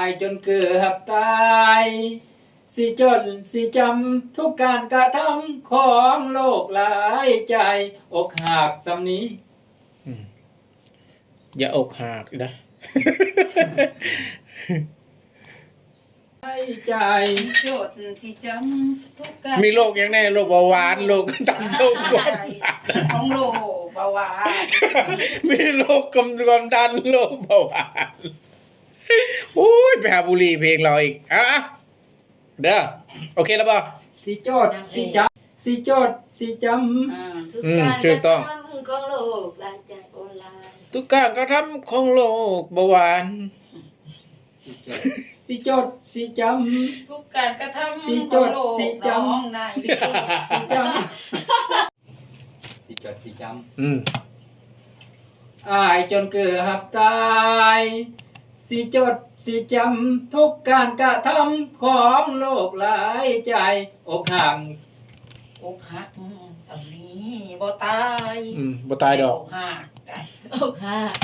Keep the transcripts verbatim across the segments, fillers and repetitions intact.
ายจนเกือบตายสิจนสิจำทุกการกระทำของโลกหลายใจอกหักสำนี้อย่าอกหักนะใจจดสิจำทุกการมีโรคยังไงโรคเบาหวานโรคตับสูงของโรคเบาหวานมีโรคความดันโรคเบาหวานโอ้ยไปหาบุหรี่เพลงเราอีกอ่ะเด้อโอเคแล้วป่ะสิจดสิจำสิจดสิจำทุกการกระทำของโลกหลายใจโอลาทุกการกระทำของโลกเบาหวานสิจดสิจำทุกการกระทำของโลกน้องนายสิจดสิจำสิจดสิจำอืมอายจนเกือบตายสิจดสิจำทุกการกระทำของโลกหลายใจอกหักอกหักสำนี้บ่ตายอืมบ่ตายดอกอกหักอกหัก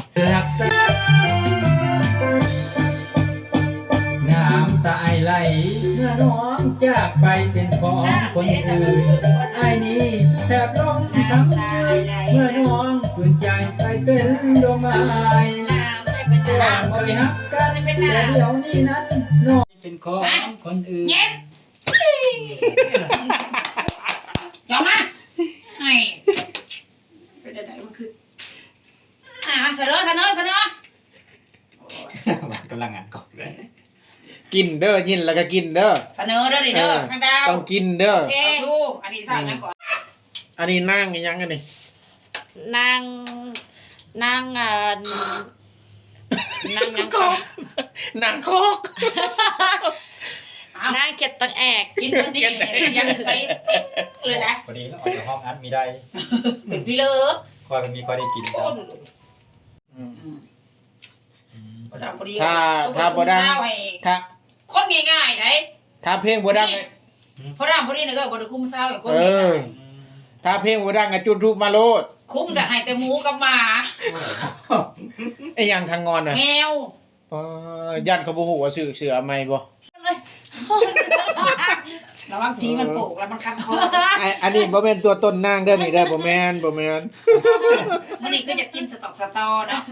น้ำตาไหลเมื่อน้องจากไปเป็นของคนอื่นไอ้นี้แทบล้มทั้งยืนเมื่อน้องฝืนใจไปเป็นดอกไม้ก่อนไปฮักกันแต่เดี๋ยวนี้นั้นน้องเป็นของคนอื่นเย็นยอมมาไอ้เป็นอะไรมันคืออ่าเสนอเสนอเสนอกำลังงานกอบเลยกินเด้อยินแล้วก็กินเด้อเสนอเด้อดิเด้อทางดาวต้องกินเด้อเอาสู้อันนี้ใส่ยังก่อนอันนี้นั่งยังกันนี่นั่งนั่งอ่านั่งยังคอกนั่งคอกนั่งเก็บตังแอกกินวันนี้ยังใส่เลยนะพอดีแล้วออกจากห้องอัดมีได้เป็นพี่เลิฟคอยมันมีคอยได้กินต้นถ้าถ้าบ่ดังถ้าคนง่ายๆไหนถ้าเพลงบ่ดังพอดังพอดีเนี่ยก็บ่ได้คุ้มเศร้าอย่างคนง่ายๆถ้าเพลงบ่ดังก็จุดทูปมาโลดคุ้มจะให้แต่หมูกับหมาไอ้ยังทางงอนน่ะแมวอ๋อยันเขาบ่ฮู้ว่าชื่อเสือใหม่บ่ระวังสีมันโปกแล้วมันคันคอไอ้อันนี้บ่แม่นตัวต้นนางเด้อนี่เด้อบ่แม่นบ่แม่นมันนี่ก็จะกินสตอกสตอเนาะ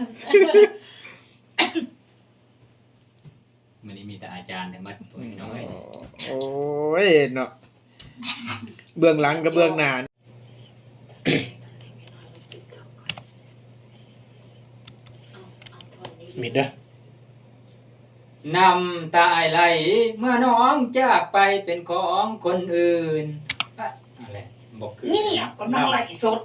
มันนี่มีแต่อาจารย์แต่มัดตัวน้อยโอ้ยเนาะเบื้องหลังกับเบื้องหน้ามิดเด้อน้ำตาไหลเมื่อน้องจากไปเป็นของคนอื่นอะไรบอกคือนี่ก็น้องไหลสด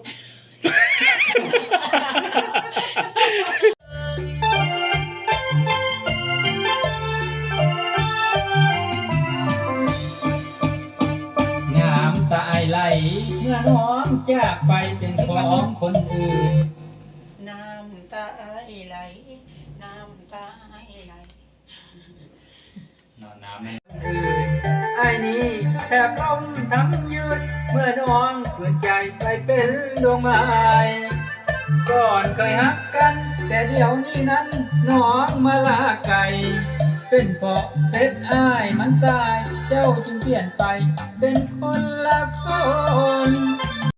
น้ำตาไหลเมื่อน้องจากไปเป็นของคนอื่นน้ำตาไหลน้ำตาไหลนอนน้ำไม่ไอ้นี่แทบล้มทั้งยืนเมื่อน้องฝืนใจไปเป็นดวงไม้ก่อนเคยฮักกันแต่เดี๋ยวนี้นั้นน้องมาลาไก่เป็นเพราะเพชรอ้ายมันตายเจ้าจึงเปลี่ยนไปเป็นคนละคน